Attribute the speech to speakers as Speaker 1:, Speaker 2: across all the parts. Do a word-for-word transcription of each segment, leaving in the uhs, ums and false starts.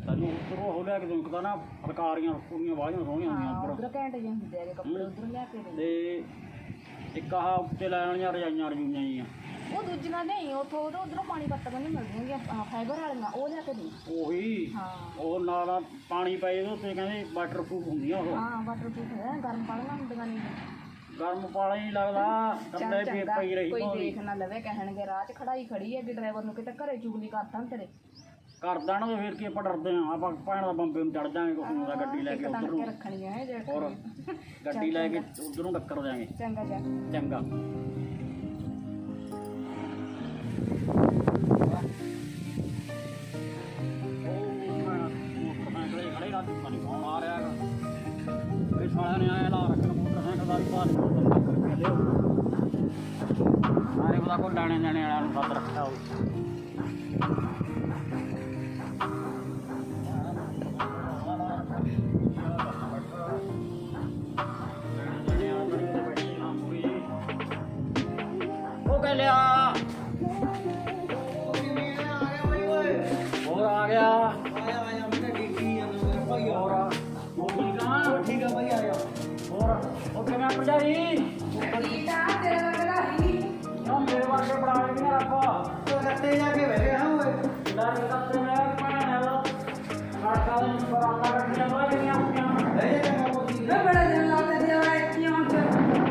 Speaker 1: ਤੈਨੂੰ ਉੱਧਰੋਂ ਉਹ ਲਿਆ ਕੇ ਦੇਉਂ ਤਾਂ ਨਾ ਫਲਕਾਰੀਆਂ ਕੁੜੀਆਂ ਬਾਹਲੀਆਂ ਸੋਹਣੀਆਂ ਹੁੰਦੀਆਂ
Speaker 2: ਹਾਂ
Speaker 1: ਉੱਧਰ
Speaker 2: ਉਧਰ ਘੈਂਟ ਜਿਹੇ ਹੁੰਦੇ ਆ ਕੱਪੜੇ ਉਧਰ ਲਿਆ ਕੇ ਦੇ
Speaker 1: ਤੇ ਇੱਕ ਆਹ ਉੱਤੇ ਲੈਣ ਵਾਲੀਆਂ ਰਜਾਈਆਂ ਰਜੂਈਆਂ ਜੀਆਂ
Speaker 2: ਉਹ ਦੂਜੀਆਂ ਨਹੀਂ ਉੱਥੋਂ ਉਧਰ ਉਧਰੋਂ ਪਾਣੀ ਪੱਤੀਆਂ ਨਹੀਂ ਮਿਲਦੀਆਂ ਫਾਈਬਰ ਵਾਲੀਆਂ ਉਹ ਲਿਆ ਕੇ ਦੇ
Speaker 1: ਉਹੀ
Speaker 2: ਹਾਂ
Speaker 1: ਉਹ ਨਾਲ ਪਾਣੀ ਪਏ ਉਹਦੇ ਉੱਤੇ ਕਹਿੰਦੇ ਵਾਟਰ ਪ੍ਰੂਫ ਹੁੰਦੀਆਂ ਉਹ
Speaker 2: ਹਾਂ ਵਾਟਰ ਪ੍ਰੂਫ ਹੈ ਗਰਮ ਪਾਣੀਆਂ ਹੁੰਦੀਆਂ ਨਹੀਂ
Speaker 1: ਗਰਮ ਪਾਣੀ ਨਹੀਂ ਲੱਗਦਾ ਕੱਲੇ ਪੀ ਪਈ ਰਹੀ
Speaker 2: ਕੋਈ
Speaker 1: ਭਾਵੇਂ।
Speaker 2: ਦੇਖ ਨਾ ਲਵੇ ਕਹਿਣਗੇ ਰਾਹ 'ਚ ਖੜਾਈ ਖੜੀ ਹੈ ਕਿ ਡਰਾਈਵਰ ਨੂੰ ਕਿਤੇ ਘਰੇ ਚੁਗਲੀ ਕਰਤਾ ਤੇਰੇ
Speaker 1: ਕਰ ਦੇਣਾ ਤੇ ਫਿਰ ਕੀ ਆਪਾਂ ਡਰਦੇ ਹਾਂ ਆਪਾਂ ਭੈਣ ਦਾ ਬੰਬੇ ਨੂੰ ਚੜ ਜਾਾਂਗੇ ਕੁਛ ਨੂੰ ਦਾ ਗੱਡੀ ਲੈ ਕੇ
Speaker 2: ਇੱਕ
Speaker 1: ਉੱਧਰ
Speaker 2: ਤੰਗ ਕੇ
Speaker 1: ਨੂੰ
Speaker 2: ਰੱਖਣੀਆਂ ਹੈ ਜੇ
Speaker 1: ਹੋਰ ਗੱਡੀ ਲੈ ਕੇ ਉੱਧਰ ਨੂੰ ਟੱਕਰ ਜਾਾਂਗੇ
Speaker 2: ਚੰਗਾ ਜਾ
Speaker 1: ਚੰਗਾ ਸਾਲਿਆਂ ਨੇ ਆਇਆ ਲਾ ਰੱਖਣ ਮੋਟਰਸਾਈਕਲ ਦਾ ਵੀ ਭਾਰ ਬੰਦਾ ਕਰਕੇ ਲਿਓ ਸਾਰੇ ਉਹਦਾ ਕੋਈ ਲੈਣੇ ਲੈਣੇ ਵਾਲਿਆਂ ਨੂੰ ਸੱਦ ਰੱਖਿਆ ਹੋਊ ਉਹ ਕਹਿ ਲਿਆ ਹੋਰ ਆ ਗਿਆ ਹੋਰ ਉਹ ਠੀਕ ਆ ਠੀਕ ਆ ਭਾਈ ਆ ਗਿਆ ਹੋਰ ਉਹ ਕਿਵੇਂ ਭਰਜਾਈ ਨਾ ਮੇਰੇ ਵਰਗੇ ਬਣਾ ਕੇ ਨਾ ਰੱਖੋ
Speaker 3: ਰੱਤੇ ਜਾ ਕੇ ਬਹਿ ਹਾਂ ਓਏ
Speaker 1: ਲੈ ਕੇ ਕੱਤੇ ਮੈਂ ਭੈਣ ਦਾ ਕਾਟਾ ਦੇ ਪਰਾਂਦਾ ਰੱਖੀਆਂ ਹੋਈਆਂ ਕਿੰਨੀਆਂ ਹੁੰਦੀਆਂ
Speaker 3: ਲੈ ਜਾ ਕੇ ਮੋਤੀ
Speaker 4: ਮੈਂ ਬੜਾ ਦਿਨ ਲਾ ਕੇ ਦਿਆ ਇੱਥੇ ਹੁਣ ਤੇ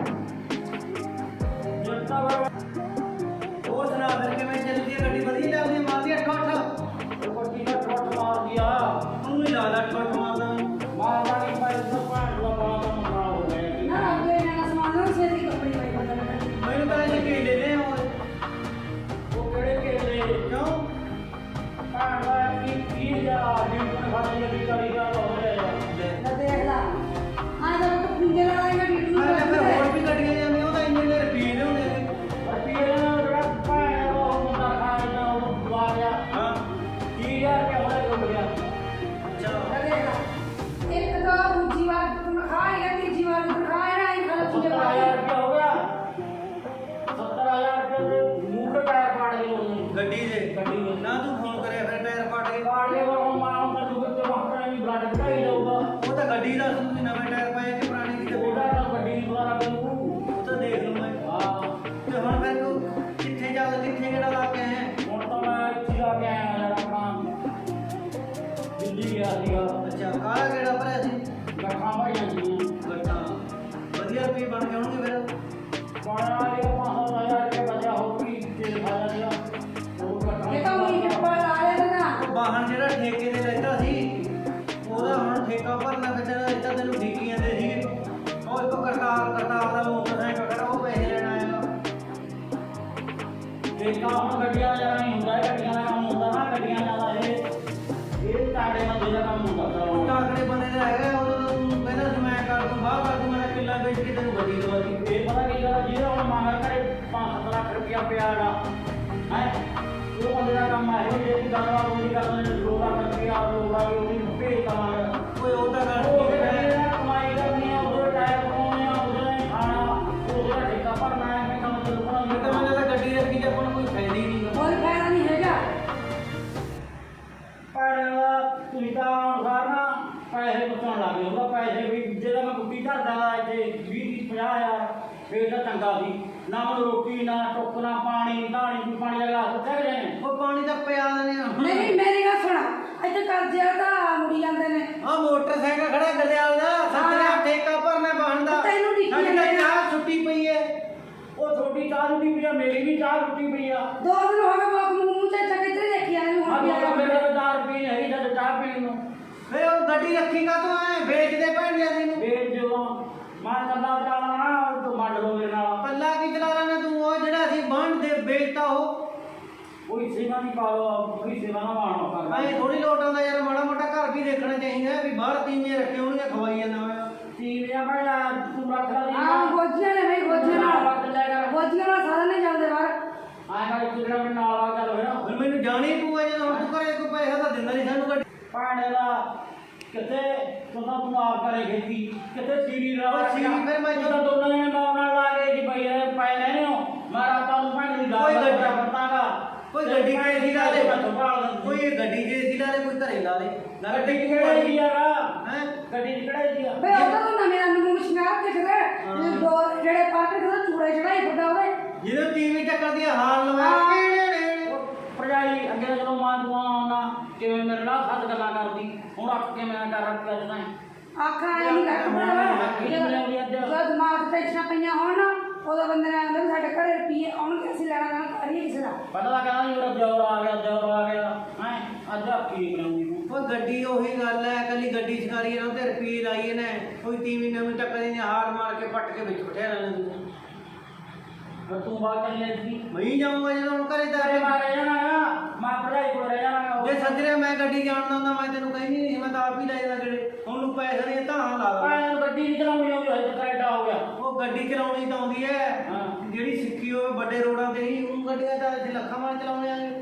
Speaker 1: ਜਿੱਤਾ ਵਾ
Speaker 3: ਉਹ ਸੁਣਾ ਫਿਰ ਕਿਵੇਂ ਚੱਲਦੀ ਹੈ ਗੱਡੀ ਵਧੀਆ ਚੱਲਦੀ ਹੈ ਮਾਰਦੀ ਅੱਠ ਅੱਠ
Speaker 1: ਉਹ ਕੋਟੀ ਦਾ ਟੋਟ ਮਾਰ ਦਿਆ
Speaker 3: ਉਹਨੂੰ ਹੀ ਲਾ ਲੈ ਅੱਠ ਮਾਰਦਾ
Speaker 1: ਮਾਰਦਾ ਨਹੀਂ ਪਾਈ ਤਾਂ ਭੈਣ ਦਾ ਬਾਲਾ ਦਾ ਮੁੰਡਾ ਹੋ ਗਿਆ
Speaker 4: ਨਾ ਅੱਗੇ ਨਾ ਸਮਾਨ ਨੂੰ ਛੇਤੀ ਕੱਪੜੇ ਪਾਈ ਬਦਲ
Speaker 3: ਮੈਨੂੰ ਤਾਂ ਇਹ ਕੀ ਦੇ ਦੇ ਓਏ
Speaker 1: ਉਹ ਕਿਹੜੇ ਕੇਲੇ
Speaker 3: ਕਿਉਂ
Speaker 1: ਭੈਣ ਦਾ ਕੀ ਕੀ ਜਾ ਜਿੰਨ ਫਾੜੀ ਦੀ ਕਰੀ ਦਾ ਹੋ ਰਿਹਾ
Speaker 4: ਨਾ ਦੇਖ ਲਾ ਆ ਜਾ ਤੂੰ ਪਿੰਜੇ ਲਾ ਲੈਗਾ ਡੀਟੂ
Speaker 3: ਮੈਂ ਕਿਹਾ ਫਿਰ ਹੋਰ ਵੀ ਗੱਡੀਆਂ ਜਾਂਦੀਆਂ ਉਹਦਾ ਇੰਨੇ ਨੇ ਰੁਪਏ ਲਿਆਉਂਦੇ ਨੇ
Speaker 1: ਰੁਪਈਏ ਨਾਲ ਜਿਹੜਾ ਭੈਣ ਦਾ ਉਹ ਮੁੰਡਾ ਖਾਇਆ ਉਹ ਦਵਾ ਗਿਆ
Speaker 3: ਹਾਂ
Speaker 1: ਕੀ ਯਾਰ ਕਿ ਹੋਇਆ ਹੋ ਗਿਆ
Speaker 3: ਅੱਛਾ
Speaker 4: ਨਾ ਦੇਖ ਲਾ ਇੱਕ ਤਾਂ ਦੂਜੀ ਵਾਰ ਤੂੰ ਖਾਏਗਾ ਤੀਜੀ ਵਾਰ ਤੂੰ ਖਾਏਗਾ ਹੀ ਖਾ ਤੂੰ
Speaker 1: ਸੱਤਰ ਹਜ਼ਾਰ ਰੁਪਇਆ ਹੋ ਗਿਆ ਸੱਤਰ ਹਜ਼ਾਰ ਰੁਪਏ ਦੇ ਮੂੰਹ ਤੇ ਟਾਇਰ ਪਾੜ ਗਏ ਉਹਨੇ
Speaker 3: ਗੱਡੀ ਦੇ
Speaker 1: ਗੱਡੀ ਦੇ
Speaker 3: ਨਾ ਤੂੰ ਫੋਨ ਕਰਿਆ ਫਿਰ ਟਾਇਰ ਪਾਟ ਗਏ
Speaker 1: ਪਾੜ ਗਏ ਉਹ ਮਾਂ ਦਾ ਦੁੱਧ ਤੇ ਵਾਪਰਾ ਵੀ ਬਲੱਡ ਕਢਾਈ ਜਾਊਗਾ
Speaker 3: ਉਹ ਤਾਂ ਗੱਡੀ ਦਾ ਤੁਸੀਂ ਨਵੇਂ ਟਾਇਰ ਪਾਏ ਕਿ ਪੁਰਾਣੇ ਕਿਤੇ
Speaker 1: ਉਹਦਾ ਤਾਂ ਗੱਡੀ ਦੀ ਦੁਆਰਾ ਕਰੂ
Speaker 3: ਉਹ ਤਾਂ ਦੇਖ ਲਓ ਮੈਂ
Speaker 1: ਹਾਂ
Speaker 3: ਤੇ ਹੁਣ ਫਿਰ ਤੂੰ ਕਿੱਥੇ ਚੱਲ ਕਿੱਥੇ ਕਿਹੜਾ ਲਾ ਕੇ ਆਇਆ
Speaker 1: ਹੁਣ ਤਾਂ ਮੈਂ ਇੱਥੇ ਆ ਕੇ ਆਇਆ ਯਾਰ ਆਪਣਾ ਦਿੱਲੀ ਗਿਆ ਸੀਗਾ
Speaker 3: ਅੱਛਾ ਕਾਲਾ ਕਿਹੜਾ ਭਰਿਆ ਸੀ
Speaker 1: ਗੱਠਾਂ ਭਾਈਆਂ ਸੀ
Speaker 3: ਗੱਟਾ ਵਧੀਆ ਰੁਪਏ ਬਣ ਗਏ ਹੋਣਗੇ ਫਿਰ
Speaker 1: ਪਾਣਾ ਦੇ ਪੰਜ ਹਜ਼ਾਰ ਰੁਪਏ ਬਚਿਆ ਹੋਊਗੀ ਤੇ ਖਾਇਆ ਗਿਆ ਉਹ ਗੱਠਾਂ
Speaker 4: ਇਹ ਤਾਂ ਉਹੀ ਚੱਪਲ ਲਾ ਲਿਆ ਨਾ
Speaker 3: ਉਹ ਵਾਹਨ ਜਿਹੜਾ ਠੇਕੇ ਤੇ ਲੈਤਾ ਸੀ ਉਹਦਾ ਹੁਣ ਠੇਕਾ ਭਰਨਾ ਫਿਰ ਜਿਹੜਾ ਇੱਦਾਂ ਤੈਨੂੰ ਠੇਕੀਆਂ ਦੇ ਸੀਗੇ ਉਹ ਇੱਕ ਕਰਤਾਰ ਕਰਤਾਰ ਦਾ ਮੋਟਰਸਾਈਕਲ ਖੜਾ ਉਹ ਪੈਸੇ ਲੈਣ ਆਇਆ
Speaker 1: ਇਹ ਤਾਂ ਹੁਣ ਗੱਡੀਆਂ ਦਾ ਨਹੀਂ ਹੁੰਦਾ ਇਹ ਗੱਡੀਆਂ ਦਾ ਕੰਮ ਹੁੰਦਾ ਨਾ ਗੱਡੀਆਂ ਜ਼ਿਆਦਾ ਇਹ ਇਹ ਤਾੜੇ ਬੰਦੇ ਦਾ ਕੰਮ ਹੁੰਦਾ
Speaker 3: ਉਹ ਟਾਕਰੇ ਬੰਦੇ ਦਾ ਹੈਗਾ ਉਹ ਤੂੰ ਕਹਿੰਦਾ ਸੀ ਮੈਂ ਕਰ ਦੂੰ ਬਾਹਰ ਕਰ ਦੂੰ ਮੈਂ ਕਿੱਲਾ ਵੇਚ ਕੇ ਤੈਨੂੰ ਗੱਡੀ ਦਵਾ ਦੀ
Speaker 1: ਇਹ ਪਤਾ ਕੀ ਗੱਲ ਜਿਹਦਾ ਹੁਣ ਮਾਹਰ ਕਰੇ ਪੰਜ ਸੱਤ ਲੱਖ ਰੁਪਇਆ ਪਿਆ ਹੈਗਾ ਹੈ ਉਹ ਬੰਦੇ ਦਾ ਕੰਮ ਹੈ ਜੇ ਦੀ ਗੱਲ ਉਹ ਨਹੀਂ ਕਰਦੇ ਨੇ ਦੋ ਲੱਖ ਰੁਪਇਆ ਲੋਕ ਆ ਉਹ ਵੀ ਭੇਜ ਕਮਾਂਗੇ
Speaker 3: ਓਏ ਉਹ ਤਾਂ ਗੱਲ
Speaker 1: ਉਹ
Speaker 3: ਠੀਕ
Speaker 1: ਕਹਿੰਦੇ
Speaker 3: ਹੈ
Speaker 1: ਨੇ ਕਮਾਈ ਕਰਨੀ ਆ ਉਹਦੇ ਟਾਇਰ ਪਾਉਣੇ ਆ ਉਹਦੇ ਖਾਣਾ ਉਹਦਾ ਠੇਕਾ ਭਰਨਾ ਹੈ ਮੈਂ ਕੰਮ ਚੱਲੂ
Speaker 3: ਮੈਂ ਤਾਂ
Speaker 1: ਕਰਾਂਗੇ
Speaker 3: ਮੈਨੂੰ ਤਾਂ ਗੱਡੀ ਰੱਖੀ ਤੇ ਆਪਾਂ ਨੂੰ ਕੋਈ ਫਾਇਦਾ ਹੀ ਨਹੀਂ
Speaker 4: ਕੋਈ ਫਾਇਦਾ ਨਹੀਂ ਹੈਗਾ
Speaker 1: ਪਰ ਤੁਸੀਂ ਤਾਂ ਅਨੁਸਾਰ ਨਾ ਪੈਸੇ ਬਚਾਉਣ ਲੱਗ ਗਏ ਉਹਦਾ ਪੈਸੇ ਵੀ ਜਿਹੜਾ ਮੈਂ ਕੁੱਟੀ ਧਰਦਾ ਇੱਥੇ ਵੀਹ ਪੰਜਾਹ ਹਜ਼ਾਰ ਫੇਰ ਤਾਂ ਚੰਗਾ ਸੀ ਨਾ ਉਹ ਰੋਟੀ ਨਾ ਟੁੱਕ ਨਾ ਪਾਣੀ ਢਾਣੀ ਵੀ ਪਾਣੀ ਦਾ ਗਲਾਸ ਉੱਥੇ ਗਏ ਨੇ
Speaker 3: ਉਹ ਪਾਣੀ ਤਾਂ ਪਿਆ ਦਿੰਦੇ ਆ
Speaker 4: ਨਹੀਂ ਮੇਰੀ ਗੱਲ ਸੁਣ ਇੱਥੇ ਕਰਜ਼ੇ ਤਾਂ ਮੁੜੀ ਜਾਂਦੇ ਨੇ
Speaker 3: ਆ ਮੋਟਰਸਾਈਕਲ ਖੜਾ ਗਲਿਆਲ ਦਾ ਸੱਤਿਆ ਠੇਕਾ ਭਰਨਾ ਵਾਹਨ ਦਾ
Speaker 4: ਤੈਨੂੰ ਡਿੱਕੀ
Speaker 3: ਸਾਡੀ ਤਾਂ
Speaker 4: ਜਾਂਦੇ ਆ।
Speaker 3: ਚਾਹ ਛੁੱਟੀ ਪਈ ਹੈ
Speaker 1: ਉਹ ਛੋਟੀ ਚਾਹ ਰੁੱਟੀ ਪਈ ਆ ਮੇਰੀ ਵੀ ਚਾਹ ਰੁੱਟੀ ਪਈ ਆ
Speaker 4: ਦੋ ਦਿਨ ਹੋ ਗਏ ਬਾਪ ਨੂੰ ਮੂੰਹ ਤੇ ਚੱਕੇ ਤੇ ਦੇਖੀ ਆਏ ਨੂੰ
Speaker 1: ਆ
Speaker 4: ਹੁਣ
Speaker 1: ਮੇਰਾ
Speaker 4: ਪਿਆ
Speaker 1: ਮੇਰੇ ਕੋਲ ਚਾਰ ਰੁਪਏ ਹੈਗੀ ਜਦ ਚਾਹ ਪੀਣ ਨੂੰ
Speaker 3: ਵੇ ਉਹ ਗੱਡੀ ਰੱਖੀ ਕਾ ਤੂੰ ਐ ਵੇਚਦੇ ਭੈਣਿਆ ਤੈਨੂੰ
Speaker 1: ਫੇਰ ਜਦੋਂ ਮੈਂ ਕੱਲਾ ਚਾਲਾ ਨਾ ਤੂੰ ਮੰਡ ਲੋ ਮੇਰੇ ਨਾਲ
Speaker 3: ਪੱਲਾ ਕੀ ਚਲਾ ਲੈਣਾ ਤੂੰ ਉਹ ਜਿਹੜਾ ਸੀ ਬਾਂਢ ਦੇ ਵੇਚਤਾ ਉਹ
Speaker 1: ਕੋਈ ਸੇਵਾ ਨਹੀਂ ਪਾਓ ਕੋਈ ਸੇਵਾ ਨਾ ਮਾਣੋ
Speaker 3: ਐ ਥੋੜੀ ਲੋਟ ਆਉਂਦਾ ਯਾਰ ਮਾੜਾ ਮੋਟਾ ਘਰ ਵੀ ਦੇਖਣਾ ਚਾਹੀਦਾ ਵੀ ਬਾਹਰ ਤੀਵੀਆਂ ਰੱਖੇ ਹੋਣਗੇ ਖਵਾਈ ਜਾਂਦਾ ਮੈਂ
Speaker 1: ਟੀਵੀਆਂ ਭਾਇਆ ਤੂੰ ਰੱਖ ਲੈ
Speaker 4: ਹਾਂ ਗੋਜੀਆਂ ਨੇ ਭਾਈ ਗੋਜੀਆਂ ਨਾਲ ਗੋਜੀਆਂ ਨਾਲ ਸਾਧਨ ਨਹੀਂ ਚੱਲਦੇ ਬਾਹਰ
Speaker 1: ਆਇਆ ਕਰ ਤੂੰ ਜਿਹੜਾ ਮੇਰੇ ਨਾਲ ਆ ਚੱਲ ਹੋਇਆ
Speaker 3: ਹੁਣ ਮੈਨੂੰ ਜਾਣੀ ਪਊਗਾ ਜਦੋਂ ਹੁਣ ਤੂੰ ਘਰੇ ਕੋਈ ਪੈਸਾ ਤਾਂ ਦਿੰਦਾ ਨਹੀਂ ਸਾਨੂੰ ਗੱਡੀ
Speaker 1: ਪਾਣੇ ਦਾ ਕਿਤੇ ਤੂੰ ਤਾਂ ਤੂੰ ਆਪ ਕਰੇ ਖੇਤੀ ਕਿਤੇ ਸੀਰੀ ਰਾ
Speaker 3: ਉਹ ਸੀਰੀ ਫਿਰ ਮੈਂ
Speaker 1: ਜਦੋਂ ਦੋਨਾਂ ਨੇ ਨਾਲ ਨਾਲ ਲਾ ਕੇ ਜੀ ਭਾਈ ਇਹ ਪੈ ਲੈਣੇ ਹੋ ਮੈਂ ਰਾਤਾਂ ਨੂੰ ਭਾਣੇ ਦੀ
Speaker 3: ਕੋਈ
Speaker 1: ਗੱਲ
Speaker 3: ਗੱਡੀ-
Speaker 1: ਕਰਤਾਗਾ
Speaker 3: ਕੋਈ ਗੱਡੀ ਗੱਡੀ ਕੇ ਏਸੀ ਲਾ ਦੇ ਕੋਈ ਇਹ ਗੱਡੀ ਜੇ ਏਸੀ ਲਾ ਦੇ ਕੋਈ ਘਰੇ ਲਾ ਦੇ ਨਾ
Speaker 1: ਗੱਡੀ ਕਿਹੜਾ ਏਸੀ ਹੈਗਾ
Speaker 3: ਹੈ
Speaker 1: ਗੱਡੀ ਕਿਹੜਾ ਏਸੀ ਆ
Speaker 4: ਬਈ ਉਹਦਾ ਤਾਂ ਨਵੇਂ ਰੰਗ ਨੂੰ ਸ਼ਿੰਗਾਰ ਦਿਖਦੇ ਦੋ ਜਿਹੜੇ ਪਾਤੇ ਉਹਦਾ ਚੂੜੇ ਚੜਾਈ ਫਿਰਦਾ ਉਹਦੇ
Speaker 3: ਜਦੋਂ ਟੀਵੀ ਟੱਕਰ ਦੀ ਹਾਲ ਲਵਾ
Speaker 1: ਭਰਜਾਈ ਅੱਗੇ ਜਦੋਂ ਮਾਂ ਤੂੰ ਆਉਣਾ ਕਿਵੇਂ ਮੇਰੇ ਨਾਲ ਸੱਤ ਗੱਲਾਂ ਕਰਦੀ ਹੁਣ ਅੱਖ ਕੇ ਮੈਂ ਕਰ ਰੱਖਿਆ ਜਦਾਂ
Speaker 4: ਆਖਾਂ ਐ ਨਹੀਂ ਕਰ ਬੜਾ ਜਦ ਦਿਮਾਗ ਤੇ ਟੈਨਸ਼ਨਾਂ ਪਈਆਂ ਹੋਣ ਨਾ ਉਹਦਾ ਬੰਦੇ ਨੇ ਆਂਦਾ ਸਾਡੇ ਘਰੇ ਰੁਪਈਏ ਆਉਣਗੇ ਅਸੀਂ ਲੈਣਾ ਨਾ ਕਰੀਏ ਕਿਸੇ ਦਾ
Speaker 1: ਪਹਿਲਾਂ ਤਾਂ ਕਹਿੰਦਾ ਜੀ ਮੇਰਾ ਜੋਰ ਆ ਗਿਆ ਜੋਰ ਆ ਗਿਆ ਹੈ ਅੱਜ ਆ ਕੀ ਬਣਾਉਂਗੀ ਤੂੰ
Speaker 3: ਉਹ ਗੱਡੀ ਉਹੀ ਗੱਲ ਹੈ ਕੱਲੀ ਗੱਡੀ ਸਿਖਾਰੀ ਇਹਨਾਂ ਤੇ ਰੁਪਏ ਲਾਈਏ ਨੇ ਕੋਈ ਤੀਵੀਂ ਨਵੀਂ ਟੱਕਰ ਦੀ ਹਾਰ ਮਾਰ ਕੇ ਪੱਟ ਕੇ ਵਿੱਚ ਬਿਠਾ ਲੈਣਾ ਤੂੰ
Speaker 1: ਫਿਰ ਤੂੰ ਬਾਤ ਕਰ ਲੈ ਜੀ
Speaker 3: ਮੈਂ ਹੀ ਜਾਊਂਗਾ ਜਦੋਂ ਹੁਣ ਘਰੇ
Speaker 1: ਤੇਰੇ
Speaker 3: ਤਾਰੇ
Speaker 1: ਮਾਰੇ ਜਾਣਾ ਮੈਂ ਭਰਜਾਈ ਕੋਲ ਰਹਿ ਜਾਣਾ
Speaker 3: ਜੇ ਸੱਜਰੇ ਮੈਂ ਗੱਡੀ ਜਾਣਦਾ ਹੁੰਦਾ ਮੈਂ ਤੈਨੂੰ ਕਹਿੰਦੀ ਨਹੀਂ ਮੈਂ ਤਾਂ ਆਪ ਹੀ ਲੈ ਜਾਂਦਾ ਕਿਹੜੇ ਉਹਨੂੰ ਪੈਸੇ ਨਹੀਂ ਤਾਂ ਲਾ ਲਾ
Speaker 1: ਮੈਂ ਗੱਡੀ ਨਹੀਂ ਚਲਾਉਣੀ ਆਉਂਦੀ ਹਜੇ ਤੱਕ ਐਡਾ ਹੋ ਗਿਆ
Speaker 3: ਉਹ ਗੱਡੀ ਚਲਾਉਣੀ ਤਾਂ ਆਉਂਦੀ ਹੈ
Speaker 1: ਹਾਂ।
Speaker 3: ਜਿਹੜੀ ਸਿੱਖੀ ਹੋਵੇ ਵੱਡੇ ਰੋਡਾਂ ਤੇ ਹੀ ਉਹ ਗੱਡੀਆਂ ਤਾਂ ਅਸੀਂ ਲੱਖਾਂ ਵਾਰ ਚਲਾਉਣੇ ਆਂਗੇ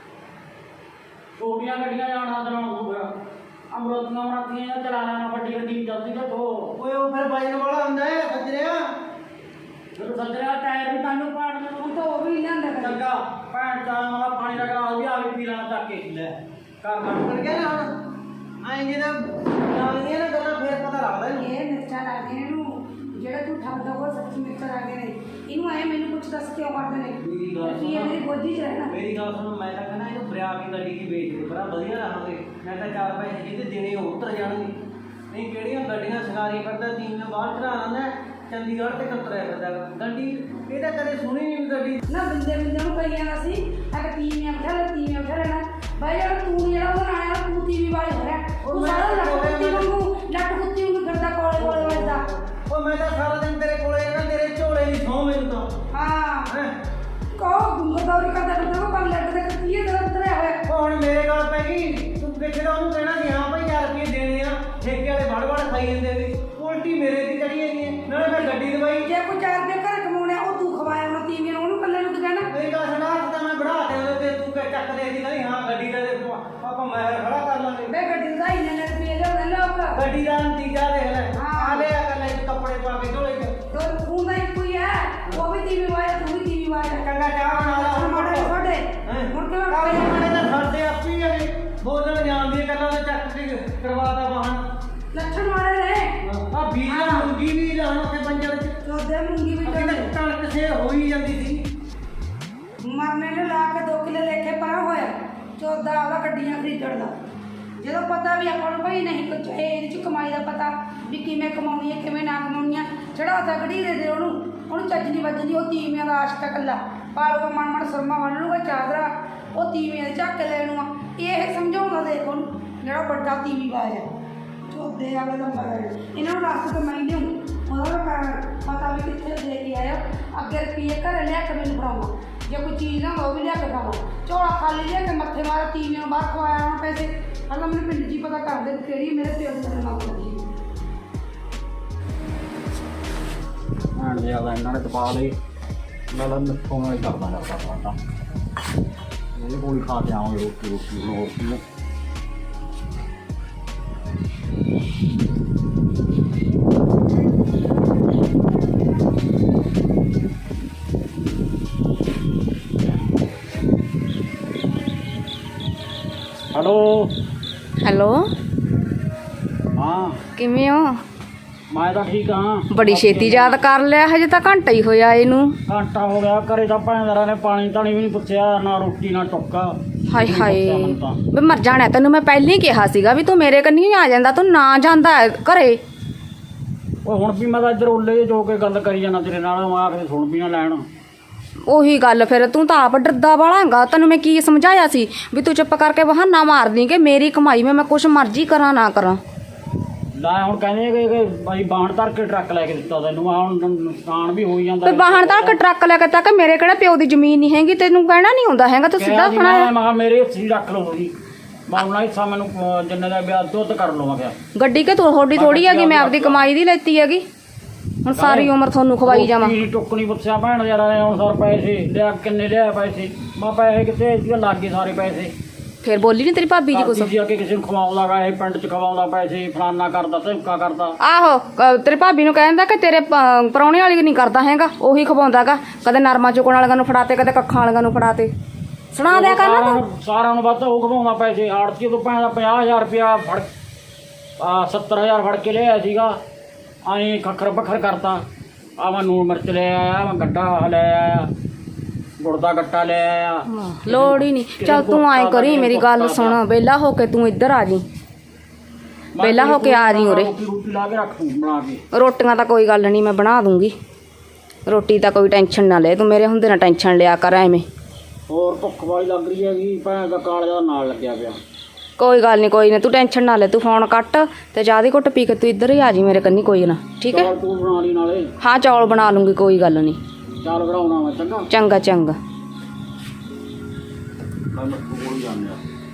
Speaker 1: ਛੋਟੀਆਂ ਗੱਡੀਆਂ ਜਾਣਾ ਚਲਾਉਣ ਨੂੰ ਫਿਰ ਅਮਰੋਤੀਆਂ ਮਰਾਤੀਆਂ ਚਲਾ ਲੈਣਾ ਵੱਡੀ ਗੱਡੀ ਜਲਦੀ ਤੋਂ ਧੋ
Speaker 3: ਓਏ ਉਹ ਫਿਰ ਵਜਨ ਵਾਲਾ ਹੁੰਦਾ ਹੈ ਸੱਜਰਿਆ
Speaker 1: ਫਿਰ ਸੱਜਰਿਆ ਟਾਇਰ ਵੀ ਤੁਹਾਨੂੰ ਪਾੜਨ
Speaker 4: ਹੁਣ
Speaker 1: ਨੂੰ
Speaker 4: ਤਾਂ ਉਹ ਵੀ ਲਿਆਂਦਾ ਕਦੇ
Speaker 1: ਚੰਗਾ ਭੈਣ ਚਾਹ ਵਾਲਾ ਪਾਣੀ ਦਾ ਗਲਾਸ ਵੀ ਆ ਕੇ ਪੀ ਲੈਣਾ ਚੱਕ ਕੇ ਲੈ ਕਰ ਲੈ
Speaker 3: ਫਿਰ ਕਹਿੰਦਾ ਹੁਣ ਐਂ ਜਿਹਦਾ ਨਾਲੀਆਂ ਨਾ ਗੱਲਾਂ ਫੇਰ ਪਤਾ ਲੱਗਦਾ ਨਹੀਂ
Speaker 4: ਇਹ ਮਿਰਚਾਂ ਲੱਗਦੀਆਂ ਨੇ ਇਹਨੂੰ ਜਿਹੜਾ ਤੂੰ ਠੱਗਦਾ ਉਹ ਸੱਚੀ ਮਿਰਚਾਂ ਲੱਗਦੀਆਂ ਨੇ ਇਹਨੂੰ ਐ ਮੈਨੂੰ ਕੁਛ ਦੱਸ ਕਿਉਂ ਕਰਦੇ ਨੇ
Speaker 3: ਮੇਰੀ ਗੱਲ
Speaker 4: ਕੀ ਇਹ ਮੇਰੀ ਗੋਦੀ 'ਚ ਰਹਿਣਾ
Speaker 3: ਮੇਰੀ ਗੱਲ ਸੁਣ ਮੈਂ ਤਾਂ ਕਹਿੰਦਾ ਇਹਨੂੰ ਫਰਿਆ ਕੇ ਗੱਡੀ ਦੀ ਵੇਚ ਦੇ ਬੜਾ ਵਧੀਆ ਰਹਾਂਗੇ ਮੈਂ ਤਾਂ ਚਾਰ ਪੈਸੇ ਜਿਹਦੇ ਦੇਣੇ ਉਹ ਉਤਰ ਜਾਣਗੇ ਨਹੀਂ ਕਿਹੜੀਆਂ ਗੱਡੀਆਂ ਸਗਾਰੀ ਕਰਦਾ ਟੀਮ ਨੇ ਬਾਹਰ ਚੜਾ ਲੈਂਦਾ ਚੰਡੀਗੜ੍ਹ ਤੇ ਕੰਤਰਿਆ ਫਿਰਦਾ ਗਾ। ਗੱਡੀ ਇਹ ਤਾਂ ਕਦੇ ਸੁਣੀ ਨਹੀਂ ਗੱਡੀ
Speaker 4: ਨਾ ਬੰਦੇ ਬੰਦੇ ਨੂੰ ਕਹੀ ਜਾਂਦਾ ਸੀ ਅਗਰ ਤੀਵੀਆਂ ਬਿਠਾ ਲੈ ਤੀਵੀਆਂ ਬਿਠਾ ਲੈਣਾ ਬਾਈ ਯਾਰ ਤੂੰ ਜਿਹੜਾ ਉਹਦਾ ਨਾਂ ਆ ਤੂੰ ਤੀਵੀਂ ਵਾਲੀ ਹੋ ਰਿਹਾ ਤੂੰ ਸਾਰਾ ਲੱਟ ਕੁੱਤੀ ਵਾਂਗੂ ਲੱਟ ਕੁੱਤੀ ਵਾਂਗੂ ਫਿਰਦਾ ਕੋਲੇ ਕੋਲੇ ਵੱਜਦਾ
Speaker 3: ਉਹ ਮੈਂ ਤਾਂ ਸਾਰਾ ਦਿਨ ਤੇਰੇ ਕੋਲੇ ਰਹਿਣਾ ਤੇਰੇ ਝੋਲੇ ਦੀ ਸੌਂ ਮੈਨੂੰ ਤਾਂ
Speaker 4: ਹਾਂ
Speaker 3: ਹੈਂ
Speaker 4: ਕਹੋ ਗੁੰਗਦੌਰੀ ਕਰਦਾ ਬੰਦਾ ਉਹ ਕੰਮ ਲੱਟ ਦੇ ਕੱਤੀਏ ਦਾ ਉਤਰਿਆ ਹੋਇਆ
Speaker 3: ਉਹ ਹੁਣ ਮੇਰੇ ਗੱਲ ਪੈ ਗਈ ਤੂੰ ਕਿੱਥੇ ਦਾ ਉਹਨੂੰ ਕਹਿਣਾ ਸੀ ਹਾਂ ਭਾਈ ਹਜ਼ਾਰ ਰੁਪਏ ਦੇਣੇ ਆ ਠੇਕੇ ਵਾਲੇ ਵੜ ਵੜ ਖਾਈ ਜਾਂਦੇ ਨੇ ਉਲਟੀ ਮੇਰੇ ਦੀ ਚੜੀ ਜਾਂਦੀ ਹੈ ਨਾਲੇ ਮੈਂ ਗੱਡੀ ਦਵਾਈ
Speaker 4: ਜੇ ਕੋਈ ਚਾਰ ਰੁਪਏ ਘਰ ਕਮਾਉਣਾ ਉਹ ਤੂੰ ਖਵਾਇਆ ਉਹਨਾਂ ਤੀਵੀਆਂ ਨੂੰ ਉਹਨੂੰ ਕੱਲੇ ਨੂੰ ਕੀ ਕਹਿਣਾ
Speaker 3: ਮੇਰੀ ਗੱਲ ਸੁਣਾ ਤਾਂ ਮੈਂ ਬੜਾ ਦੇ ਉਹਦੇ ਤੇ ਤੂੰ ਕਹਿ ਚੱਕ ਦੇ ਦੀ ਕਹਿੰਦੀ ਹਾਂ ਗੱਡੀ ਦਾ ਦੇ ਆਪਾਂ ਮੈਂ ਖੜਾ ਕਰ ਲਾਂਗੇ
Speaker 4: ਬੇ ਗੱਡੀ ਦਾ ਹੀ ਨੇ ਰੁਪਏ ਲਿਆਉਂਦੇ ਲੋਕ
Speaker 3: ਗੱਡੀ ਦਾ ਨਤੀਜਾ ਦੇਖ ਲੈ
Speaker 4: ਹਾਂ।
Speaker 3: ਆ ਲਿਆ ਕਰ ਲੈ ਕੱਪੜੇ ਪਾ ਕੇ ਝੋਲੇ 'ਚ
Speaker 4: ਦੋ ਤੂੰ ਦਾ ਇੱਕੋ ਹੀ ਹੈ ਉਹ ਵੀ ਤੀਵੀਂ ਵਾਇਆ ਤੂੰ ਵੀ ਤੀਵੀਂ ਵਾਇਆ
Speaker 3: ਚੰਗਾ ਚਾਹ ਬਣਾ ਲਾ
Speaker 4: ਹੁਣ ਮਾੜੇ ਛੋਟੇ ਹੁਣ ਕਿਵੇਂ
Speaker 3: ਕਾਲੇ ਮਾੜੇ ਤਾਂ ਸਾਡੇ ਆਪੀ ਆ ਬੋਲਣ ਜਾਣਦੀ ਗੱਲਾਂ ਦਾ ਚੱਕ ਕੇ ਕਰਵਾਤਾ ਵਾਹਨ
Speaker 4: ਲੱਛਣ ਮਾੜੇ ਨੇ
Speaker 3: ਆ ਬੀਜ ਦਾ ਮੁੰਗੀ ਵੀ ਲਾਉਣ ਉੱਥੇ ਬੰਜਰ 'ਚ
Speaker 4: ਚੋਦੇ ਮੁੰਗੀ ਵੀ
Speaker 3: ਅੱਗੇ
Speaker 4: ਚੋਦੇ
Speaker 3: ਤਾਂ ਕਣਕ ਸੇ ਹੋਈ ਜਾਂਦੀ ਸੀ
Speaker 4: ਮਰਨੇ ਨੂੰ ਲਾ ਕੇ ਦੋ ਕਿੱਲੇ ਲੈ ਕੇ ਪਰਾਂ ਹੋਇਆ ਚੌਦਾ ਉਹਦਾ ਗੱਡੀਆਂ ਖਰੀਦਣ ਦਾ ਜਦੋਂ ਪਤਾ ਵੀ ਆਪਾਂ ਨੂੰ ਭਾਈ ਨਹੀਂ ਕੁਝ ਇਹਦੇ ਚ ਕਮਾਈ ਦਾ ਪਤਾ ਵੀ ਕਿਵੇਂ ਕਮਾਉਣੀ ਹੈ ਕਿਵੇਂ ਨਾ ਕਮਾਉਣੀ ਹੈ ਚੜਾਤਾ ਗੜੀ ਦੇ ਦੇ ਉਹਨੂੰ ਉਹਨੂੰ ਚੱਜ ਨਹੀਂ ਵੱਜਦੀ ਉਹ ਤੀਵੀਆਂ ਦਾ ਆਸ਼ਕ ਇਕੱਲਾ ਪਾਲੂਗਾ ਮਨ ਮਨ ਸਰਮਾ ਬੰਨ ਲੂਗਾ ਚਾਦਰਾ ਉਹ ਤੀਵੀਆਂ ਦੇ ਝੱਕ ਲੈਣੂ ਆ ਇਹ ਸਮਝਾਉਂਦਾ ਦੇਖ ਉਹਨੂੰ ਜਿਹੜਾ ਵੱਡਾ ਤੀਵੀ ਬਾਜ ਹੈ ਚੋਦੇ ਵਾਲੇ ਦਾ ਮਗਰ ਇਹਨਾਂ ਨੂੰ ਰਸਤੇ ਤੋਂ ਮੈਂ ਲਿਆਉਂ ਉਹਦਾ ਪ- ਪਤਾ ਵੀ ਕਿੱਥੇ ਦੇ ਕੇ ਆਇਆ ਅੱਗੇ ਰੁਪਈਏ ਘਰੇ ਲਿਆ ਕੇ ਮੈਨੂੰ ਫੜਾਉਣਾ ਜੇ ਕੋਈ ਚੀਜ਼ ਨਾ ਉਹ ਵੀ ਲਿਆ ਕੇ ਖਾਣਾ ਝੋਲਾ ਖਾਲੀ ਲਿਆ ਕੇ ਮੱਥੇ ਮਾਰ ਤੀਵੀਆਂ ਨੂੰ ਬਾਹਰ ਖਵਾਇਆ ਉਹਨਾਂ ਪੈਸੇ ਪਹਿਲਾਂ ਮੈਨੂੰ ਪਿੰਡ 'ਚ ਹੀ ਪਤਾ ਕਰਦੇ ਵੀ ਕਿਹੜੀ ਮੇਰੇ ਪਿਓ ਦੀ ਮੇਰੇ ਨਾਲ ਕਰਦੀ
Speaker 1: ਭੈਣ ਦੇ ਆਦਾ ਇਹਨਾਂ ਨੇ ਤਪਾ ਲਈ ਮੈਂ ਤਾਂ ਮਿੱਠੋਂ ਨਾਲ ਹੀ ਕਰਦਾ ਕਰਦਾ ਪਾਟਾ ਇਹਦੇ ਕੋਲ ਹੀ ਖਾ ਕੇ ਆਵਾਂਗੇ ਰੋਟੀ ਰੋਟੀ ਹੋਰ ਕੀ ਹੈ। ਹੈਲੋ
Speaker 5: ਹੈਲੋ
Speaker 1: ਹਾਂ
Speaker 5: ਕਿਵੇਂ ਹੋ
Speaker 1: ਮੈਂ ਤਾਂ ਠੀਕ ਹਾਂ
Speaker 5: ਬੜੀ ਛੇਤੀ ਯਾਦ ਕਰ ਲਿਆ ਹਜੇ ਤਾਂ ਘੰਟਾ ਹੀ ਹੋਇਆ ਇਹਨੂੰ
Speaker 1: ਘੰਟਾ ਹੋ ਗਿਆ ਘਰੇ ਤਾਂ ਭੈਣਦਾਰਾਂ ਨੇ ਪਾਣੀ ਤਾਣੀ ਵੀ ਨਹੀਂ ਪੁੱਛਿਆ ਨਾ ਰੋਟੀ ਨਾ ਟੁੱਕਾ
Speaker 5: ਹਾਏ
Speaker 1: ਨਹੀਂ
Speaker 5: ਹਾਏ
Speaker 1: ਪੁੱਛਿਆ ਮੈਨੂੰ ਤਾਂ।
Speaker 5: ਵੇ ਮਰ ਜਾਣਾ ਤੈਨੂੰ ਮੈਂ ਪਹਿਲਾਂ ਹੀ ਕਿਹਾ ਸੀਗਾ ਵੀ ਤੂੰ ਮੇਰੇ ਕੰਨੀ ਆ ਜਾਂਦਾ ਤੂੰ ਨਾ ਜਾਂਦਾ ਘਰੇ
Speaker 1: ਓਏ ਹੁਣ ਵੀ ਮੈਂ ਤਾਂ ਇੱਧਰ ਉੱਲੇ ਜਿਹੇ ਜੋ ਕੇ ਗੱਲ ਕਰੀ ਜਾਣਾ ਤੇਰੇ ਨਾਲ ਮੈਂ ਆ ਕੇ ਸੁਣ ਵੀ ਨਾ ਲੈਣ
Speaker 5: ਉਹੀ ਗੱਲ ਫਿਰ ਤੂੰ ਤਾਂ ਆਪ ਡਰਦਾ ਵਾਲਾ ਹੈਗਾ ਤੈਨੂੰ ਮੈਂ ਕੀ ਸਮਝਾਇਆ ਸੀ ਵੀ ਤੂੰ ਚੁੱਪ ਕਰਕੇ ਬਹਾਨਾ ਮਾਰ ਦੀ ਕਿ ਮੇਰੀ ਕਮਾਈ ਮੈਂ ਮੈਂ ਕੁਛ ਮਰਜ਼ੀ ਕਰਾਂ ਨਾ ਕਰਾਂ
Speaker 1: ਲੈ ਹੁਣ ਕਹਿੰਦੇ ਕਿ ਕਿ ਬਾਈ ਬਾਹਣ ਧਰ ਕੇ ਟਰੱਕ ਲੈ ਕੇ ਦਿੱਤਾ ਤੈਨੂੰ ਆ ਹੁਣ ਨੁਕਸਾਨ ਵੀ ਹੋਈ ਜਾਂਦਾ
Speaker 5: ਤੇ ਬਾਹਣ ਤੱਕ ਟਰੱਕ ਲੈ ਕੇ ਤੱਕ ਮੇਰੇ ਕਿਹੜਾ ਪਿਓ ਦੀ ਜ਼ਮੀਨ ਨਹੀਂ ਹੈਗੀ ਤੈਨੂੰ ਕਹਿਣਾ ਨਹੀਂ ਹੁੰਦਾ ਹੈਗਾ ਤੂੰ ਸਿੱਧਾ
Speaker 1: ਮੈਂ
Speaker 5: ਸੁਣਾਇਆ
Speaker 1: ਮੈਂ ਕਿਹਾ ਮੇਰੇ ਹਿੱਸੇ ਹੀ ਰੱਖ ਲਓ ਜੀ ਮੈਂ ਉਹਨਾਂ ਹਿੱਸਾ ਮੈਨੂੰ ਅਹ, ਜਿੰਨੇ ਦਾ ਵਿਆਹ ਦੁੱਧ ਕਰ ਲਵਾਂ ਗਿਆ
Speaker 5: ਗੱਡੀ ਕਿ ਤੂੰ ਥੋੜੀ ਥੋੜੀ ਹੈਗੀ ਮੈਂ ਆਪਦੀ ਕਮਾਈ ਦੀ ਲੈਤੀ ਹੈਗੀ ਹੁਣ ਸਾਰੀ ਉਮਰ ਤੁਹਾਨੂੰ ਖਵਾਈ ਜਾਵਾਂ
Speaker 1: ਰੋਟੀ ਟੁੱਕ ਨਹੀਂ ਪੁੱਛਿਆ ਭੈਣ ਯਾਰਾਂ ਨੇ ਹੁਣ ਸਰ ਪੈਸੇ ਲਿਆ ਕਿੰਨੇ ਲਿਆ ਪੈਸੇ ਮੈਂ ਪੈਸੇ ਕਿੱਥੇ ਇਹਦੇ ਲੱਗ ਗਏ ਸਾਰੇ ਪੈਸੇ
Speaker 5: ਫਿਰ ਬੋਲੀ ਨਹੀਂ ਤੇਰੀ ਭਾਬੀ ਜੀ ਕੁਛ
Speaker 1: ਜੀ ਅੱਗੇ ਕਿਸੇ ਨੂੰ ਖਵਾਉਂਦਾ ਗਾ ਇਹ ਪਿੰਡ 'ਚ ਖਵਾਉਂਦਾ ਪੈਸੇ ਫਲਾਨਾ ਕਰਦਾ ਧਮਕਾ ਕਰਦਾ
Speaker 5: ਆਹੋ ਕ- ਤੇਰੀ ਭਾਬੀ ਨੂੰ ਕਹਿੰਦਾ ਕਿ ਤੇਰੇ ਪ- ਪ੍ਰਾਹੁਣੇ ਵਾਲੀ ਨਹੀਂ ਕਰਦਾ ਹੈਗਾ ਉਹੀ ਖਵਾਉਂਦਾਗਾ ਕਦੇ ਨਰਮਾ ਚੁਕਣ ਵਾਲਿਆਂ ਨੂੰ ਫੜਾਤੇ ਕਦੇ ਕੱਖਾਂ ਵਾਲਿਆਂ ਨੂੰ ਫੜਾਤੇ ਸੁਣਾ ਦਿਆ ਕਰ ਨਾ ਤੂੰ।
Speaker 1: ਸਾਰਿਆਂ- ਸਾਰਿਆਂ ਨੂੰ ਵੱਧ ਉਹ ਘਵਾਉਂਦਾ ਪੈਸੇ ਆੜਤੀ ਤੋਂ ਪੈਂਦਾ ਪੰਜਾਹ ਹਜ਼ਾਰ ਰੁਪਇਆ ਫੜ ਆ ਸੱਤਰ ਹਜ਼ਾਰ ਫੜ ਕੇ ਲਿਆਇਆ ਸੀਗਾ ਐਂ ਖੱਖਰ ਪੱਖਰ ਕਰਤਾ ਆ ਮੈਂ ਨੂਣ ਮਿਰਚ ਲੈ ਆਇਆ ਮੈਂ ਗੱਡਾ ਲੈ ਆਇਆ ਗੁੜ ਦਾ ਗੱਟਾ ਲੈ ਆਇਆ
Speaker 5: ਲੋੜ ਹੀ ਨਹੀਂ। ਚੱਲ ਤੂੰ ਐਂ ਕਰੀ ਮੇਰੀ ਗੱਲ ਸੁਣ, ਵਿਹਲਾ ਹੋ ਕੇ ਤੂੰ ਇੱਧਰ ਆ ਜੀ, ਵਿਹਲਾ ਹੋ ਕੇ ਆ ਜੀ ਉਰੇ।
Speaker 1: ਰੋਟੀ ਰੋਟੀ ਲਾ ਕੇ ਰੱਖ ਦੂੰ ਬਣਾ ਕੇ।
Speaker 5: ਰੋਟੀਆਂ ਤਾਂ ਕੋਈ ਗੱਲ ਨਹੀਂ ਮੈਂ ਬਣਾ ਦੂੰਗੀ, ਰੋਟੀ ਤਾਂ ਕੋਈ ਟੈਨਸ਼ਨ ਨਾ ਲੈ ਤੂੰ, ਮੇਰੇ ਹੁੰਦੇ ਨਾ ਟੈਨਸ਼ਨ ਲਿਆ ਕਰ ਐਵੇਂ।
Speaker 1: ਹੋਰ ਭੁੱਖ ਵਾਲੀ ਲੱਗ ਰਹੀ ਹੈਗੀ ਭੈਣ ਦਾ ਕਾਲਜਾ ਨਾਲ ਲੱਗਿਆ ਪਿਆ।
Speaker 5: ਕੋਈ ਗੱਲ ਨਹੀਂ ਕੋਈ ਨਾ ਤੂੰ ਟੈਨਸ਼ਨ ਨਾ ਲੈ, ਤੂੰ ਫੋਨ ਕੱਟ ਤੇ ਚਾਹ ਦੀ ਘੁੱਟ ਪੀ ਕੇ ਤੂੰ ਇੱਧਰ ਹੀ ਆ ਜੀ ਮੇਰੇ ਕੰਨੀ, ਕੋਈ ਨਾ ਠੀਕ ਹੈ।
Speaker 1: ਚੌਲ ਤੂੰ ਬਣਾ ਲਈ ਨਾਲੇ।
Speaker 5: ਹਾਂ ਚੌਲ ਬਣਾ ਲੂੰਗੀ ਕੋਈ ਗੱਲ ਨਹੀਂ।
Speaker 1: ਚਾਲ ਬਣਾਉਣਾ ਮੈਂ ਚੰਗਾ।
Speaker 5: ਚੰਗਾ ਚੰਗਾ।
Speaker 1: ਕੱਲ ਕੋਲ ਜਾਂਦੇ ਆ।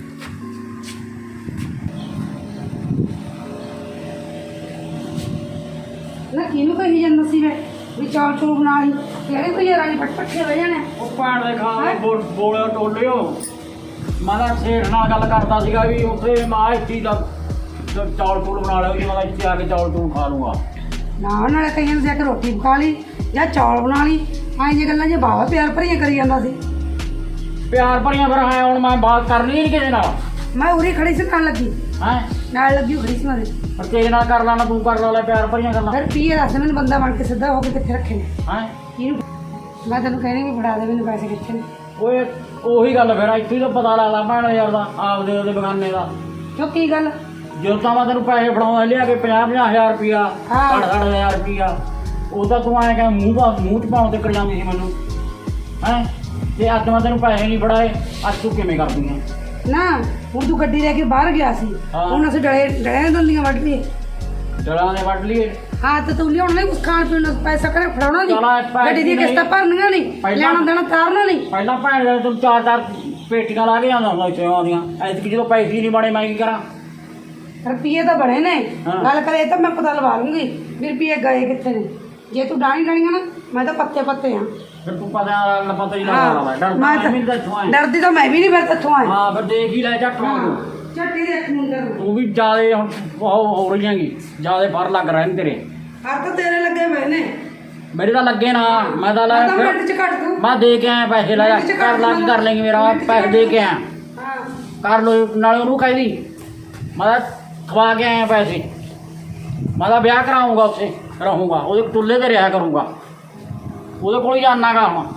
Speaker 4: ਨਾ ਕਿਹਨੂੰ ਕਹੀ ਜਾਂਦਾ ਸੀ ਵੇ ਵੀ ਚੌਲ ਚੂਲ ਬਣਾ ਲਈ, ਕਿਹੜੇ ਕੋਈ ਰਾਣੀ ਫਟ ਪੱਠੇ ਹੋ ਜਾਣੇ।
Speaker 1: ਉਹ ਭੈਣ ਦੇ ਖਾਣੇ ਬੋਲ ਬੋਲਿਓ ਟੋਲਿਓ ਮੈਂ ਤਾਂ ਸੇਠ ਨਾਲ ਗੱਲ ਕਰਦਾ ਸੀਗਾ ਵੀ ਉੱਥੇ ਮਾਂ ਇੱਥੇ ਦਾ ਚੌਲ ਚੂਲ ਬਣਾ ਲਿਓ ਜੀ, ਮੈਂ ਇੱਥੇ ਆ ਕੇ ਚੌਲ ਚੂਲ ਖਾ ਲੂੰਗਾ।
Speaker 4: ਨਾ ਨਾਲੇ ਕਈਆਂ ਨੂੰ ਜਾ ਕੇ ਰੋਟੀ ਪਕਾ ਲਈ ਜਾਂ ਚੌਲ ਬਣਾ ਲਈ, ਐਂ ਜੇ ਗੱਲਾਂ ਜੇ ਬਾਵਾ ਪਿਆਰ ਭਰੀਆਂ ਕਰੀ ਜਾਂਦਾ ਸੀ।
Speaker 1: ਪਿਆਰ ਭਰੀਆਂ ਫਿਰ ਹੈ ਹੁਣ ਮੈਂ ਬਾਤ ਕਰਨੀ ਨਹੀਂ ਕਿਸੇ ਨਾਲ।
Speaker 4: ਮੈਂ ਉਰੀ ਖੜੀ ਸੀ ਨਾਲ ਲੱਗੀ,
Speaker 1: ਹੈ
Speaker 4: ਨਾਲ ਲੱਗੀ ਖੜੀ ਸੀ ਮੇਰੇ।
Speaker 1: ਪਰ ਤੇਰੇ ਨਾਲ ਕਰ ਲੈਣਾ ਤੂੰ ਕਰ ਲੈ ਪਿਆਰ ਭਰੀਆਂ ਗੱਲਾਂ।
Speaker 4: ਫਿਰ ਪੀਏ ਦੱਸ ਮੈਨੂੰ ਬੰਦਾ ਬਣ ਕੇ ਸਿੱਧਾ ਹੋ ਕੇ ਕਿੱਥੇ ਰੱਖੇ ਨੇ।
Speaker 1: ਹੈ
Speaker 4: ਕਿਹਨੂੰ ਮੈਂ ਤੈਨੂੰ ਕਹਿਣੀ ਵੀ ਫੜਾ ਦੇ ਮੈਨੂੰ ਪੈਸੇ ਕਿੱਥੇ ਨੇ।
Speaker 1: ਓਏ ਉਹੀ ਗੱਲ ਫਿਰ ਇੱਥੇ ਹੀ ਤਾਂ ਪਤਾ ਲੱਗਦਾ ਭੈਣ ਯਾਰ ਦਾ ਆਪਦੇ ਉਹਦੇ ਬਗਾਨੇ ਦਾ।
Speaker 4: ਕਿਉਂ ਕੀ ਗੱਲ?
Speaker 1: ਜਦੋਂ ਤਾਂ ਮੈਂ ਤੈਨੂੰ ਪੈਸੇ ਫੜਾਉਂਦਾ ਲਿਆ ਕੇ ਪੰਜਾਹ ਪੰਜਾਹ ਹਜ਼ਾਰ ਰੁਪਇਆ
Speaker 4: ਹਾਂ।
Speaker 1: ਸੱਠ ਸੱਠ ਹਜ਼ਾਰ ਰੁਪਇਆ ਉਹ ਤਾਂ ਤੂੰ ਐਂ ਕਹਿ ਮੂੰਹ ਪਾ ਮੂੰਹ 'ਚ ਪਾਉਣ ਤੇ ਕਰ ਜਾਂਦੀ ਸੀ ਮੈਨੂੰ। ਹੈਂ ਤੇ ਅੱਜ ਮੈਂ ਤੈਨੂੰ ਪੈਸੇ ਨਹੀਂ ਫੜਾਏ, ਅੱਜ ਤੂੰ ਕਿਵੇਂ ਕਰਦੀ ਹੈ?
Speaker 4: ਨਾ ਹੁਣ ਤੂੰ ਗੱਡੀ ਲੈ ਕੇ ਬਾਹਰ ਗਿਆ ਸੀ,
Speaker 1: ਹਾਂ।
Speaker 4: ਹੁਣ ਅਸੀਂ ਡਲੇ ਡਲਿਆਂ ਦੰਦੀਆਂ ਵੱਢ ਲਈਏ।
Speaker 1: ਜੜਾਂ ਦੇ ਵੱਢ ਲਈਏ।
Speaker 4: ਹਾਂ ਤੇ ਤੂੰ ਲਿਆਉਣਾ ਨਹੀਂ ਕੁਛ ਖਾਣ ਪੀਣ ਨੂੰ, ਪੈਸਾ ਕਰੇ ਫੜਾਉਣਾ
Speaker 1: ਚਲੋ ਇਹ
Speaker 4: ਨਹੀਂ,
Speaker 1: ਪੈਸੇ
Speaker 4: ਗੱਡੀ ਦੀਆਂ
Speaker 1: ਨਹੀਂ।
Speaker 4: ਕਿਸ਼ਤਾਂ ਭਰਨੀਆਂ ਨਹੀਂ,
Speaker 1: ਪਹਿਲਾਂ-
Speaker 4: ਲੈਣਾ ਦੇਣਾ ਤਾਰਨਾ ਨਹੀਂ।
Speaker 1: ਪਹਿਲਾਂ ਭੈਣ ਦੇ ਤੂੰ ਚਾਰ ਚਾਰ ਪੇਟੀਆਂ ਲਾ ਕੇ ਜਾਂਦਾ ਹੁੰਦਾ ਸੇਵਾ ਦੀਆਂ, ਐਤਕੀ ਜਦੋਂ ਪੈਸੇ ਹੀ ਨਹੀਂ ਬਣੇ ਮੈਂ ਕੀ ਕਰਾਂ?
Speaker 4: ਰੁਪਈਏ ਤਾਂ ਬਣੇ ਨੇ,
Speaker 1: ਹਾਂ।
Speaker 4: ਗੱਲ ਕਰੇ ਤਾਂ ਮੈਂ ਪਤਾ ਲਵਾ ਲੂੰਗੀ ਵੀ ਰੁਪਈਏ ਗਏ ਕਿੱਥੇ ਨੇ। ਜੇ ਤੂੰ ਡਾਣੀ ਲੈਣੀਆਂ ਨਾ ਮੈਂ ਤਾਂ ਪੱਤੇ ਪੱਤੇ ਆ।
Speaker 1: ਫਿਰ ਤੂੰ ਪਤਾ ਪਤਾ ਹੀ ਨਾ ਲਾ ਡਰ
Speaker 4: ਮੈਂ
Speaker 1: ਮੈਂ ਵੀ ਦੱਸੋ
Speaker 4: ਤਾਂ ਡਰਦੀ ਤਾਂ ਮੈਂ ਵੀ ਨਹੀਂ ਫਿਰ ਤੱਥੋਂ ਆਈ।
Speaker 1: ਹਾਂ ਫਿਰ ਦੇਖ ਹੀ ਲੈ ਝੱਟ ਤੂੰ
Speaker 4: ਝੱਟੀ ਦੇ ਮੁੰਡੇ ਨੂੰ
Speaker 1: ਤੂੰ ਵੀ ਜਿਆਦੇ ਹੁਣ ਉਹ ਹੋ ਰਹੀ ਹੈਗੀ, ਜਿਆਦੇ ਫਰ ਲੱਗ ਰਹੇ ਨੇ ਤੇਰੇ।
Speaker 4: ਹਰ ਤਾਂ ਤੇਰੇ ਲੱਗੇ ਪਏ ਨੇ।
Speaker 1: ਮੇਰੇ ਤਾਂ ਲੱਗੇ ਨਾ, ਮੈਂ ਤਾਂ ਲੈ
Speaker 4: ਮੈਂ ਤਾਂ ਮਿੰਟ ਚ ਕੱਟ ਦੂੰ।
Speaker 1: ਮੈਂ ਦੇ ਕੇ ਆਇਆ ਪੈਸੇ ਲੈ ਜਾ
Speaker 4: ਮਿੰਟ ਚ
Speaker 1: ਕਰ ਲਾ ਕੀ ਕਰ ਲੇਂਗੇ ਮੇਰਾ ਪੈਸੇ ਦੇ ਕੇ ਆਇਆ
Speaker 4: ਹਾਂ
Speaker 1: ਕਰ ਲੋ ਨਾਲੇ ਉਹਨੂੰ ਕਹਿ ਦੀ ਮੈਂ ਤਾਂ ਖਵਾ ਕੇ ਆਇਆ ਪੈਸੇ, ਮੈਂ ਤਾਂ ਵਿਆਹ ਕਰਾਉਂਗਾ ਉੱਥੇ ਰਹੂੰਗਾ ਉਹਦੇ ਟੁੱਲੇ ਤੇ ਰਿਹਾ ਕਰੂੰਗਾ, ਉਹਦੇ ਕੋਲ ਹੀ ਜਾਣਾਗਾ ਹੁਣ।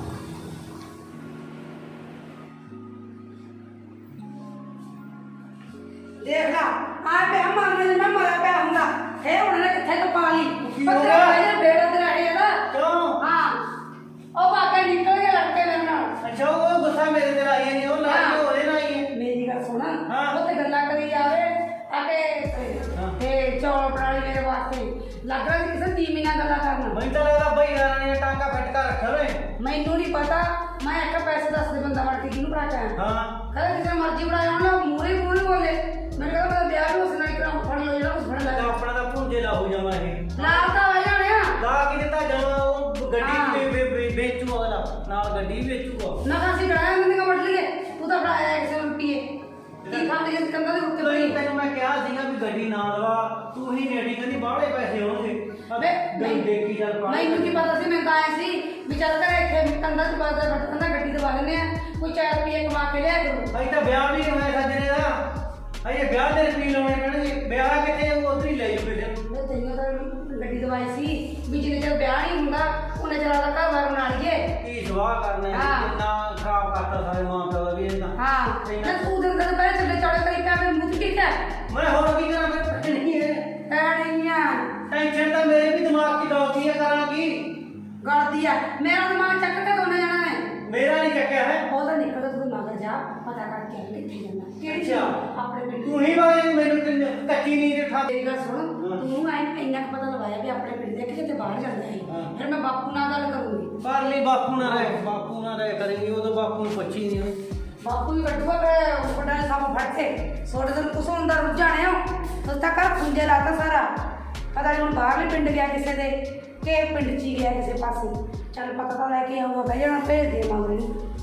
Speaker 4: ਦੇਖ ਲਾ ਆ ਪਿਆ ਮਰਨੇ ਦੇ ਮੈਂ ਮਰਿਆ ਪਿਆ ਹੁੰਦਾ ਇਹ ਹੁਣ ਨੇ ਕਿੱਥੇ ਕਪਾ ਲਈ
Speaker 3: ਕੀ ਹੋ
Speaker 4: ਪੱਤਰਾ
Speaker 3: ਗਿਆ?
Speaker 4: ਭਾਈ ਬੇੜਾ ਤੇਰਾ ਇਹ ਨਾ
Speaker 3: ਕਿਉਂ?
Speaker 4: ਹਾਂ ਉਹ ਬਾਕਾ ਨਿਕਲ ਕੇ ਲੜਕੇ ਮੇਰੇ ਨਾਲ।
Speaker 3: ਅੱਛਾ ਉਹ ਗੁੱਸਾ ਮੇਰੇ ਤੇ ਆਈ ਨਹੀਂ, ਉਹ ਲੜਕੇ ਹੋਰੇ ਨਾ ਆਈ ਹੈ।
Speaker 4: ਮੇਰੀ ਗੱਲ ਸੁਣ,
Speaker 3: ਹਾਂ।
Speaker 4: ਉਹ ਤੇ ਗੱਲਾਂ ਕਰੀ ਜਾਵੇ ਆਕੇ ਤੇ ਚੌਲ ਬਣਾ ਲਈ ਮੇਰੇ ਵਾਸਤੇ, ਲੱਗ ਰਿਹਾ ਸੀ ਕਿਸੇ ਤੀਮੀ ਨਾਲ ਗੱਲਾਂ ਕਰਨ।
Speaker 3: ਮੈਨੂੰ ਤਾਂ ਲੱਗਦਾ ਬਈ ਯਾਰਾਂ ਨੇ ਟਾਂਗਾ ਫਟਕਾ ਰੱਖਿਆ ਓਏ।
Speaker 4: ਮੈਨੂੰ ਨਹੀਂ ਪਤਾ, ਮੈਂ ਇੱਕ ਪੈਸੇ ਦੱਸ ਦੇ ਬੰਦਾ ਵੜ ਕੇ ਕਿਹਨੂੰ ਬਣਾ ਕੇ ਆਇਆ।
Speaker 3: ਹਾਂ
Speaker 4: ਕਹਿੰਦਾ ਕਿਸੇ ਮਰਜ਼ੀ ਬਣਾਇਆ ਹੋਣਾ ਮੂਰੇ ਮੂਰੇ ਬੋਲੇ। ਮੈਂ ਕਹਿੰਦਾ ਮੈਂ ਵਿਆਹ ਵੀ ਉਸ ਨਾਲ ਕਰਾਂ, ਫੜ ਲਓ ਜਿਹੜਾ ਕੁਝ ਫੜ
Speaker 3: ਤਾਂ
Speaker 4: ਲੈ
Speaker 3: ਆਪਣਾ ਤਾਂ ਭੁੰਜੇ ਲਾ ਹੋ ਜਾਵਾਂ ਇਹ।
Speaker 4: ਨਾਲ ਤਾਂ ਆ ਜਾਣੇ ਆ।
Speaker 3: ਲਾ ਕੇ ਦਿੱਤਾ ਜਾਵਾਂ ਉਹ
Speaker 4: ਹਾਂ।
Speaker 3: ਗੱਡੀ ਵੀ ਵੇ- ਵੇ- ਵੇਚੂ ਅਗਲਾ, ਨਾਲ ਗੱਡੀ ਵੀ ਵੇਚੂਗਾ।
Speaker 4: ਨਾ ਤਾਂ ਅਸੀਂ ਬਣਾਇਆ ਮੰਦੀ ਕਮੜ ਲਈਏ, ਤੂੰ ਤਾਂ ਬਣਾਇਆ ਕਿਸੇ ਨੂੰ ਰੁਪਈਏ ਕੀ ਖਾਂਦੇ ਜਿਸ ਕੰਦਾ ਦੇ ਉੱਤੇ
Speaker 3: ਤੈਨੂੰ
Speaker 4: ਪਈ।
Speaker 3: ਤੈਨੂੰ ਮੈਂ ਕਿਹਾ ਸੀਗਾ ਵੀ ਗੱਡੀ ਨਾ ਲਵਾ, ਤੂੰ ਹੀ ਨੇੜੀ ਕਹਿੰਦੀ ਬਾਹਲੇ ਪੈਸੇ ਹੋਣਗੇ।
Speaker 4: ਵੇ
Speaker 3: ਨਹੀਂ ਦੇਖੀ ਚੱਲ ਪਾ
Speaker 4: ਮੈਨੂੰ ਕੀ ਪਤਾ ਸੀ, ਮੈਂ ਤਾਂ ਆਇਆ ਸੀ ਵੀ ਚੱਲ ਕਰ ਇੱਥੇ ਕੰਦਾ ਚ ਬਾਦਾ ਕੰਦਾ ਗੱਡੀ ਦਵਾ ਲੈਂਦੇ ਆ, ਕੋਈ ਚਾਰ ਰੁਪਏ ਕਮਾ ਕੇ ਲਿਆ ਕਰੋ।
Speaker 3: ਅਜੇ ਤਾਂ ਵਿਆਹ ਵੀ ਨਹੀਂ ਹੋਇਆ ਸੱਜਣੇ ਦਾ, ਅਜੇ ਵਿਆਹ ਦੇ ਰੁਪਏ ਲਾਉਣੇ ਪੈਣਗੇ। ਵਿਆਹ ਕਿੱਥੇ ਉਧਰ ਹੀ ਲੈ ਜਾਓ ਬੇਟੇ ਨੂੰ।
Speaker 4: ਮੈਂ ਤੈਨੂੰ ਤਾਂ ਗੱਡੀ ਦਵਾਈ ਸੀ ਵੀ ਜਿੰਨੇ ਚਿਰ ਵਿਆਹ ਨਹੀਂ ਹੁੰਦਾ ਉਹਨੇ ਚਿਰ ਦਾ ਘਰ ਬਾਰ ਬਣਾ ਲਈਏ।
Speaker 3: ਕੀ ਸਵਾਹ ਕਰਨਾ ਹੈ,
Speaker 4: ਹਾਂ।
Speaker 3: ਕਿੰਨਾ ਖਰਾਬ ਕਰਤਾ ਸਾਰੇ ਮਾਂ ਪਿਓ ਦਾ ਵੀ ਇਹਨਾਂ।
Speaker 4: ਹਾਂ ਨਾ ਤੂੰ ਦਿਨ ਦਿਨ ਪਹਿਲੇ ਚੱਲੇ ਚੌੜੇ ਕਰੀ ਪਿਆ ਮੇਰੇ ਮੂੰਹ ਤੇ ਕਿਹਾ
Speaker 3: ਮੈਂ ਹੋਰ ਕੀ ਕਰਾਂ, ਮੈਂ ਪੱਟਣੀ ਹੈ।
Speaker 4: ਪੈਣੀਆਂ
Speaker 3: ਟੈਨਸ਼ਨ ਤਾਂ ਮੇਰੇ ਵੀ ਦਿਮਾਗ 'ਚ ਦੌੜਦੀ ਹੈ, ਕਰਾਂ ਕੀ?
Speaker 4: ਗਲਦੀ ਆ ਮੇਰਾ ਦਿਮਾਗ ਚੱਕ ਕੇ ਦੋਨੇ ਜਾਣਾ ਨੇ।
Speaker 3: ਮੇਰਾ ਨਹੀਂ ਚੱਕਿਆ ਹੈ।
Speaker 4: ਉਹਦਾ ਨਿਕਲ ਤੂੰ ਮਗਰ ਜਾ ਪਤਾ ਕਰਕੇ ਆ ਕਿੱਥੇ ਜਾਣਾ ਕਿਹੜੀ
Speaker 3: ਅੱਛਾ।
Speaker 4: ਜਗ੍ਹਾ? ਆਪਣੇ ਪਿੰਡ
Speaker 3: ਤੂੰ ਹੀ ਵਾਏ ਮੈਨੂੰ ਤੇ ਕੱਚੀ ਨੀਂਦ ਉਠਾ ਦੇ।
Speaker 4: ਮੇਰੀ ਗੱਲ ਸੁਣ, ਤੂੰ ਐ ਇੰਨਾ ਕੁ ਪਤਾ ਲਵਾਇਆ ਵੀ ਆਪਣੇ ਪਿੰਡ ਦੇ ਕਿ ਕਿਤੇ ਬਾਹਰ ਜਾਂਦਾ ਹੈ।
Speaker 3: ਹਾਂ।
Speaker 4: ਫਿਰ ਮੈਂ ਬਾਪੂ ਨਾਲ ਗੱਲ ਕਰੂੰਗੀ।
Speaker 3: ਕਰ ਲਈ ਬਾਪੂ ਨਾਲ ਰਹਿ, ਬਾਪੂ ਨਾਲ ਰਹਿ ਕਰੇਂਗੀ, ਉਦੋਂ ਬਾਪੂ ਨੂੰ ਪੁੱਛੀ ਨਹੀਂ ਹੋਈ।
Speaker 4: ਬਾਪੂ ਵੀ ਕੱਢੂਗਾ ਕਿ ਵੱਡਾ ਸਭ ਫੜ ਕੇ ਛੋਟੇ ਦਿਨ ਕੁਛ ਹੁੰਦਾ ਰੁੱਝ ਜਾਣੇ ਹੋ ਤੂੰ ਤਾਂ ਕਰ ਖੁੰਝੇ ਲਾਤਾ ਸਾਰਾ। ਪਤਾ ਨਹੀਂ ਹੁਣ ਬਾਹਰਲੇ ਪਿੰਡ ਗਿਆ ਕਿਸੇ ਦੇ ਕਿ ਪਿੰਡ 'ਚ ਹੀ ਗਿਆ ਕਿਸੇ ਪਾਸੇ। ਚੱਲ ਪਤਾ ਤਾਂ ਲੈ ਕੇ ਆਊਗਾ ਬਹਿ ਜਾਣਾ ਭੇਜ ਦੇ ਮਗਰ ਨੂੰ।